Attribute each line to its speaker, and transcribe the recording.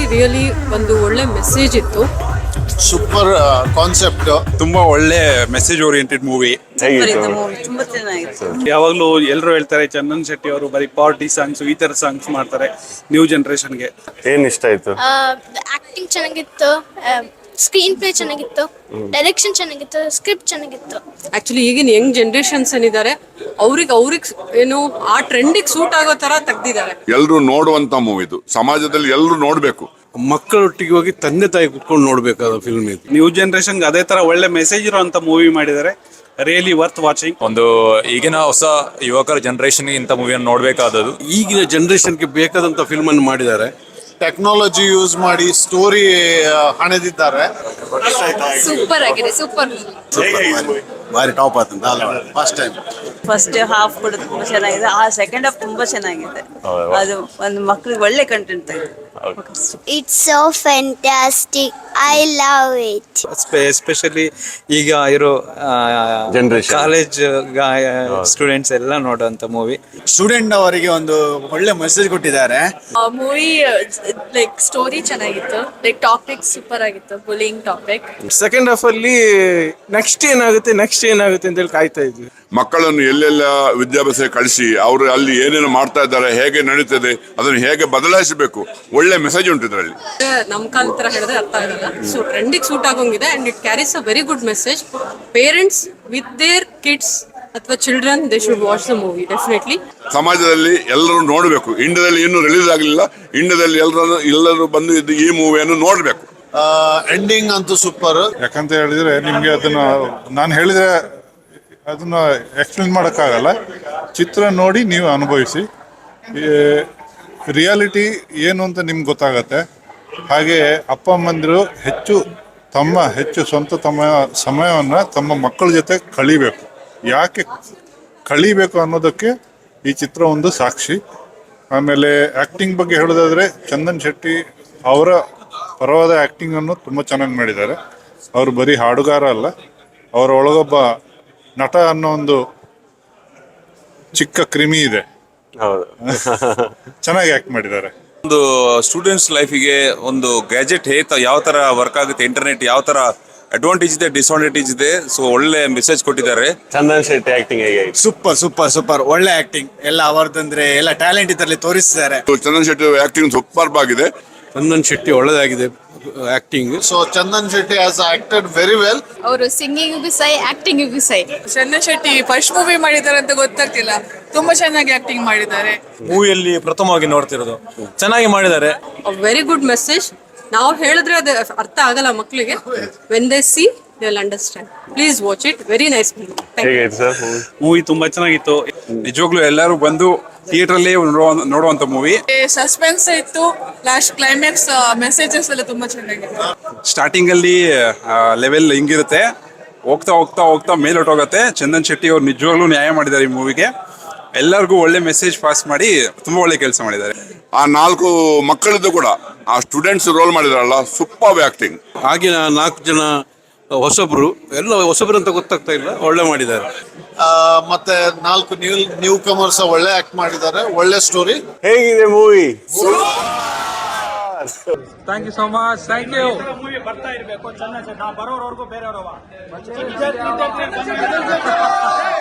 Speaker 1: Really ಒಂದು ಒಳ್ಳೆ message ಇತ್ತು.
Speaker 2: ಸೂಪರ್ ಕಾನ್ಸೆಪ್ಟ್,
Speaker 3: ತುಂಬಾ ಒಳ್ಳೆ ಮೆಸೇಜ್ ಓರಿಯೆಂಟೆಡ್ ಮೂವಿ.
Speaker 4: ತುಂಬಾ ಚೆನ್ನಾಗಿತ್ತು.
Speaker 3: ಯಾವಾಗ್ಲೂ ಎಲ್ಲರೂ ಹೇಳ್ತಾರೆ ಚಂದನ್ ಶೆಟ್ಟಿ ಅವರು ಬರೀ ಪಾರ್ಟಿ ಸಾಂಗ್ಸ್ ಈ ತರ ಸಾಂಗ್ಸ್ ಮಾಡ್ತಾರೆ ನ್ಯೂ ಜನರೇಷನ್ಗೆ.
Speaker 5: ಏನ್ ಇಷ್ಟ ಆಯ್ತು?
Speaker 6: ಆಕ್ಟಿಂಗ್ ಚೆನ್ನಾಗಿತ್ತು, ಸ್ಕ್ರೀನ್ ಪ್ಲೇ ಚೆನ್ನಾಗಿತ್ತು, ಡೈರೆಕ್ಷನ್ ಚೆನ್ನಾಗಿತ್ತು, ಸ್ಕ್ರಿಪ್ಟ್ ಚೆನ್ನಾಗಿತ್ತು.
Speaker 1: ಆಕ್ಚುಲಿ ಈಗಿನ ಯಂಗ್ ಜನರೇಷನ್ಸ್ ಏನಿದ್ದಾರೆ ಅವ್ರಿಗೆ ಏನು ಆ ಟ್ರೆಂಡಿಗೆ ಸೂಟ್ ಆಗೋ ತರ ತೆಗ್ದಿದ್ದಾರೆ.
Speaker 7: ಎಲ್ಲರೂ ನೋಡುವಂತ ಮೂವಿ ಇದು, ಸಮಾಜದಲ್ಲಿ ಎಲ್ಲರೂ ನೋಡ್ಬೇಕು.
Speaker 8: ಮಕ್ಕಳೊಟ್ಟಿಗೆ ಹೋಗಿ ತಂದೆ ತಾಯಿ ಕುತ್ಕೊಂಡು ನೋಡ್ಬೇಕಾದ ಫಿಲ್ಮ್ ಇದು.
Speaker 3: ನ್ಯೂ ಜನರೇಷನ್ಗೆ ಅದೇ ತರ ಒಳ್ಳೆ ಮೆಸೇಜ್ ಇರುವಂತ ಮೂವಿ ಮಾಡಿದ್ದಾರೆ. Really worth watching.
Speaker 9: ಒಂದು ಈಗಿನ ಹೊಸ ಯುವಕರ ಜನರೇಷನ್ ಇಂಥ ಮೂವಿಯನ್ನು ನೋಡ್ಬೇಕಾದದ್ದು.
Speaker 8: ಈಗಿನ ಜನರೇಷನ್ಗೆ ಬೇಕಾದಂತ ಫಿಲ್ಮ್ ಅನ್ನು ಮಾಡಿದ್ದಾರೆ.
Speaker 2: ಟೆಕ್ನಾಲಜಿ ಯೂಸ್ ಮಾಡಿ ಸ್ಟೋರಿ ಹಣೆದಿದ್ದಾರೆ.
Speaker 6: ಸೂಪರ್ ಆಗಿದೆ, ಸೂಪರ್.
Speaker 2: ಬಾರಿ ಟಾಪ್ ಆತಂತ ಫಸ್ಟ್ ಟೈಮ್.
Speaker 4: ಫಸ್ಟ್ ಹಾಫ್ ಕೂಡ ತುಂಬಾ ಚೆನ್ನಾಗಿದೆ, ಆ ಸೆಕೆಂಡ್ ಹಾಫ್ ತುಂಬಾ ಚೆನ್ನಾಗಿದೆ. ಅದು ಒಂದು ಮಕ್ಳಿಗೆ ಒಳ್ಳೆ ಕಂಟೆಂಟ್ ಇದೆ.
Speaker 6: It's so fantastic, I love it.
Speaker 10: Especially ಈಗ ಇರೋ
Speaker 5: Generation.
Speaker 10: ಕಾಲೇಜ್ ಸ್ಟೂಡೆಂಟ್ಸ್ ಎಲ್ಲ ನೋಡುವಂತ ಮೂವಿ.
Speaker 11: ಸ್ಟೂಡೆಂಟ್ ಅವರಿಗೆ ಒಂದು ಒಳ್ಳೆ ಮೆಸೇಜ್ ಕೊಟ್ಟಿದ್ದಾರೆ.
Speaker 6: ಮೂವಿ ಲೈಕ್ ಸ್ಟೋರಿ ಚೆನ್ನಾಗಿತ್ತು, ಲೈಕ್ ಟಾಪಿಕ್ ಸೂಪರ್ ಆಗಿತ್ತು, ಬುಲಿಂಗ್ ಟಾಪಿಕ್.
Speaker 8: ಸೆಕೆಂಡ್ ಹಾಫ್ ಅಲ್ಲಿ ನೆಕ್ಸ್ಟ್ ಏನಾಗುತ್ತೆ ಅಂತ ಹೇಳಿ ಕಾಯ್ತಾ ಇದ್ವಿ.
Speaker 7: ಮಕ್ಕಳನ್ನು ಎಲ್ಲೆಲ್ಲ ವಿದ್ಯಾಭ್ಯಾಸ ಕಳಿಸಿ ಅವರು ಅಲ್ಲಿ ಏನೇನು ಮಾಡ್ತಾ ಇದ್ದಾರೆ, ಹೇಗೆ ನಡೀತದೆ, ಅದನ್ನು ಹೇಗೆ ಬದಲಾಯಿಸಬೇಕು, ಒಳ್ಳೆ ಮೆಸೇಜ್ ಉಂಟು ಇದರಲ್ಲಿ.
Speaker 1: ನಮ್ ಕಾಲ ತರ ಹೇಳಿದ್ರೆ ಅರ್ಥ ಆಗಲ್ಲ. ಸೊ ಟ್ರೆಂಡಿಗೆ ಸೂಟ್ ಆಗೋಂಗಿದೆ and it carries a very good message. Parents with their kids ಅಥವಾ children they should watch the movie definitely.
Speaker 7: ಸಮಾಜದಲ್ಲಿ ಎಲ್ಲರೂ ನೋಡಬೇಕು. ಇಂಡಿಯಾದಲ್ಲಿ ಇನ್ನೂ ರಿಲೀಸ್ ಆಗಲಿಲ್ಲ, ಇಂಡಿಯಾದಲ್ಲಿ ಎಲ್ಲರೂ ಬಂದು ಈ ಮೂವಿಯನ್ನು ನೋಡಬೇಕು.
Speaker 2: ಎಂಡಿಂಗ್ ಅಂತೂ ಸೂಪರ್.
Speaker 12: ಯಾಕಂತ ಹೇಳಿದ್ರೆ ನಿಮ್ಗೆ ಅದನ್ನ ನಾನು ಹೇಳಿದ್ರೆ ಅದನ್ನ ಎಕ್ಸ್ಪ್ಲೇನ್ ಮಾಡೋಕ್ಕಾಗಲ್ಲ. ಚಿತ್ರ ನೋಡಿ ನೀವು ಅನುಭವಿಸಿ, ರಿಯಾಲಿಟಿ ಏನು ಅಂತ ನಿಮ್ಗೆ ಗೊತ್ತಾಗತ್ತೆ. ಹಾಗೆ ಅಪ್ಪ ಅಮ್ಮಂದಿರು ಹೆಚ್ಚು ಸ್ವಂತ ಸಮಯವನ್ನು ತಮ್ಮ ಮಕ್ಕಳ ಜೊತೆ ಕಳಿಬೇಕು. ಯಾಕೆ ಕಳಿಬೇಕು ಅನ್ನೋದಕ್ಕೆ ಈ ಚಿತ್ರ ಒಂದು ಸಾಕ್ಷಿ. ಆಮೇಲೆ ಆ್ಯಕ್ಟಿಂಗ್ ಬಗ್ಗೆ ಹೇಳೋದಾದರೆ ಚಂದನ್ ಶೆಟ್ಟಿ ಅವರ ಪರವಾದ ಆ್ಯಕ್ಟಿಂಗನ್ನು ತುಂಬ ಚೆನ್ನಾಗಿ ಮಾಡಿದ್ದಾರೆ. ಅವರು ಬರೀ ಹಾಡುಗಾರ ಅಲ್ಲ, ಅವರ ಒಳಗೊಬ್ಬ ನಟ ಅನ್ನೋ ಒಂದು ಚಿಕ್ಕ ಕ್ರಿಮಿ ಇದೆ. ಚೆನ್ನಾಗಿ ಆ್ಯಕ್ಟ್ ಮಾಡಿದ್ದಾರೆ.
Speaker 9: ಒಂದು ಸ್ಟೂಡೆಂಟ್ಸ್ ಲೈಫಿಗೆ ಒಂದು ಗ್ಯಾಜೆಟ್ ಯಾವ ತರ ವರ್ಕ್ ಆಗುತ್ತೆ, ಇಂಟರ್ನೆಟ್ ಯಾವ ತರ ಅಡ್ವಾಂಟೇಜ್ ಇದೆ, ಡಿಸ್ಅಡ್ವಾಂಟೇಜ್ ಇದೆ. ಸೊ ಒಳ್ಳೆ ಮೆಸೇಜ್ ಕೊಟ್ಟಿದ್ದಾರೆ.
Speaker 5: ಚಂದನ್ ಶೆಟ್ಟಿ ಆಕ್ಟಿಂಗ್ ಹೇಗೆ?
Speaker 11: ಸೂಪರ್ ಒಳ್ಳೆ ಆಕ್ಟಿಂಗ್. ಎಲ್ಲ ಅವರದಂದ್ರೆ ಎಲ್ಲ ಟ್ಯಾಲೆಂಟ್ ಇದರಲ್ಲಿ ತೋರಿಸಿದ್ದಾರೆ.
Speaker 7: ಚಂದನ್ ಶೆಟ್ಟಿ ಆಕ್ಟಿಂಗ್ ಸೂಪರ್ ಆಗಿದೆ.
Speaker 8: ಚಂದನ್ ಶೆಟ್ಟಿ ಒಳ್ಳೆದಾಗಿದೆ acting.
Speaker 2: So Chandan Shetty has acted very well.
Speaker 6: ಅವರು ಸಿಂಗಿಂಗ್ ಸೈ, ಆಕ್ಟಿಂಗ್ ಸೈ.
Speaker 4: ಚಂದನ್ ಶೆಟ್ಟಿ ಫಸ್ಟ್ ಮೂವಿ ಮಾಡಿದ್ದಾರೆ ಅಂತ ಗೊತ್ತಾಗ್ತಿಲ್ಲ, ತುಂಬಾ ಚೆನ್ನಾಗಿ ಆಕ್ಟಿಂಗ್ ಮಾಡಿದ್ದಾರೆ.
Speaker 9: ಮೂವಿಯಲ್ಲಿ ಪ್ರಥಮವಾಗಿ ನೋಡ್ತಿರೋದು ಚೆನ್ನಾಗಿ ಮಾಡಿದ್ದಾರೆ.
Speaker 1: Very good message. ನಾವು ಹೇಳಿದ್ರೆ ಅದು ಅರ್ಥ ಆಗಲ್ಲ ಮಕ್ಕಳಿಗೆ. When they see they will understand. Please watch it. Very nice
Speaker 3: movie ತುಂಬಾ ಚೆನ್ನಾಗಿತ್ತು. ನಿಜವಾಗ್ಲೂ ಎಲ್ಲರೂ ಬಂದು ಥಿಯೇಟರ್ ಅಲ್ಲಿ ನೋಡುವಂತ ಮೂವಿ.
Speaker 4: ಸಸ್ಪೆನ್ಸ್ ಇತ್ತು, ಲಾಸ್ಟ್ ಕ್ಲೈಮ್ಯಾಕ್ಸ್ ಮೆಸೇಜಸ್ ಎಲ್ಲ ತುಂಬಾ ಚೆನ್ನಾಗಿತ್ತು.
Speaker 3: ಸ್ಟಾರ್ಟಿಂಗ್ ಅಲ್ಲಿ ಲೆವೆಲ್ ಹಿಂಗಿರುತ್ತೆ, ಹೋಗ್ತಾ ಹೋಗ್ತಾ ಹೋಗ್ತಾ ಮೇಲೊಟ್ಟೋಗತ್ತೆ. ಚಂದನ್ ಶೆಟ್ಟಿ ಅವ್ರು ನಿಜವಾಗ್ಲೂ ನ್ಯಾಯ ಮಾಡಿದ್ದಾರೆ ಈ ಮೂವಿಗೆ. ಎಲ್ಲರಿಗೂ ಒಳ್ಳೆ ಮೆಸೇಜ್ ಪಾಸ್ ಮಾಡಿ ತುಂಬಾ ಒಳ್ಳೆ ಕೆಲಸ ಮಾಡಿದ್ದಾರೆ.
Speaker 7: ಆ 4 ಮಕ್ಕಳದ್ದು ಕೂಡ ಆ ಸ್ಟೂಡೆಂಟ್ಸ್ ರೋಲ್ ಮಾಡಿದಾರಲ್ಲ, ಸೂಪರ್ ಆಕ್ಟಿಂಗ್.
Speaker 8: ಆಗಿನ 4 ಜನ ಹೊಸಬ್ರು, ಎಲ್ಲ ಹೊಸಬ್ರು ಅಂತ ಗೊತ್ತಾಗ್ತಾ ಇಲ್ಲ, ಒಳ್ಳೆ ಮಾಡಿದ್ದಾರೆ.
Speaker 2: ಮತ್ತೆ 4 ನ್ಯೂ ಕಮರ್ಸ್ ಒಳ್ಳೆ ಆಕ್ಟ್ ಮಾಡಿದ್ದಾರೆ. ಒಳ್ಳೆ ಸ್ಟೋರಿ.
Speaker 5: ಹೇಗಿದೆ movie?
Speaker 10: Thank you so much. Thank you.
Speaker 3: Movie ಬರ್ತಾ ಇರಬೇಕು. ಚಂದನ್ ಶೆಟ್ಟಿ ಬರೋರವರೆಗೂ ಬೇರೆಯವರು